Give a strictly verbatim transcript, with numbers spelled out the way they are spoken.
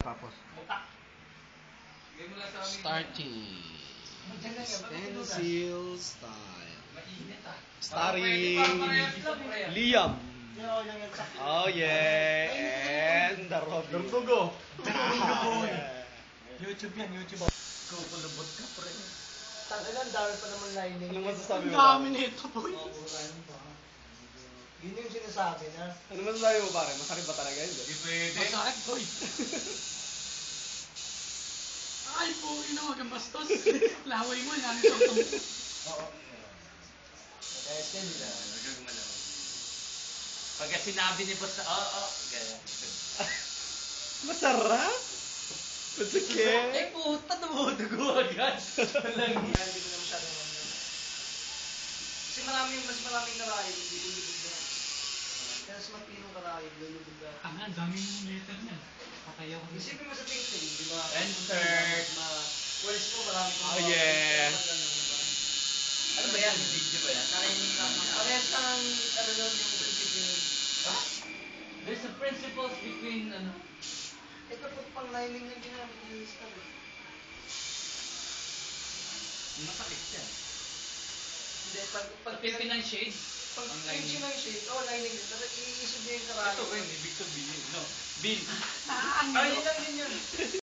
tapos. Starting. Stencil style. Starring Liam. Oh yeah. And the Rob. Durdugo. YouTube yan, YouTube. Kukulubot ka pre. Tanggalan, dami pa naman lining. Ano masasabi mo? Ang dami nito, boy. Yun yung sinasabi na. Ano masasabi mo pare? Masakit ba talaga yun? Hindi pwede. Masakit, boy. Ay, po, ina, wag ang bastos. Laway mo, yan. Oo. Kaya sila. Huwag gumalaw. Pagka sinabi ni boss, oo, oo. Ganyan. Masarap? Masakit? Eh puta, dumudugo agad. Walang Hindi ko na masyadong ano. Kasi maraming, mas maraming karahin, hindi lulubog na. Kaya mas matinong karahin, lulubog na. Ang nga, dami yung letter niya. Patay ako. Isipin mo sa painting, di ba? Insert. Walis mo, marami kong Oh, yeah. Ano ba yan? Video ba yan? Narinig lang. Parehas lang, ano nun, yung prinsipyo nun. There's a principles between, ano? Ito po pang lining yung ginamit yung star. Masakit yan. Hindi, pag... Pag Pagpipin ng shade. Pag Ang pinch lining. ng shade, oh, lining din. Pero iisog niya yung karahin. Ito ko yun, ibig sabihin. No. Bill. Ah, ang Ay, yun lang din yun.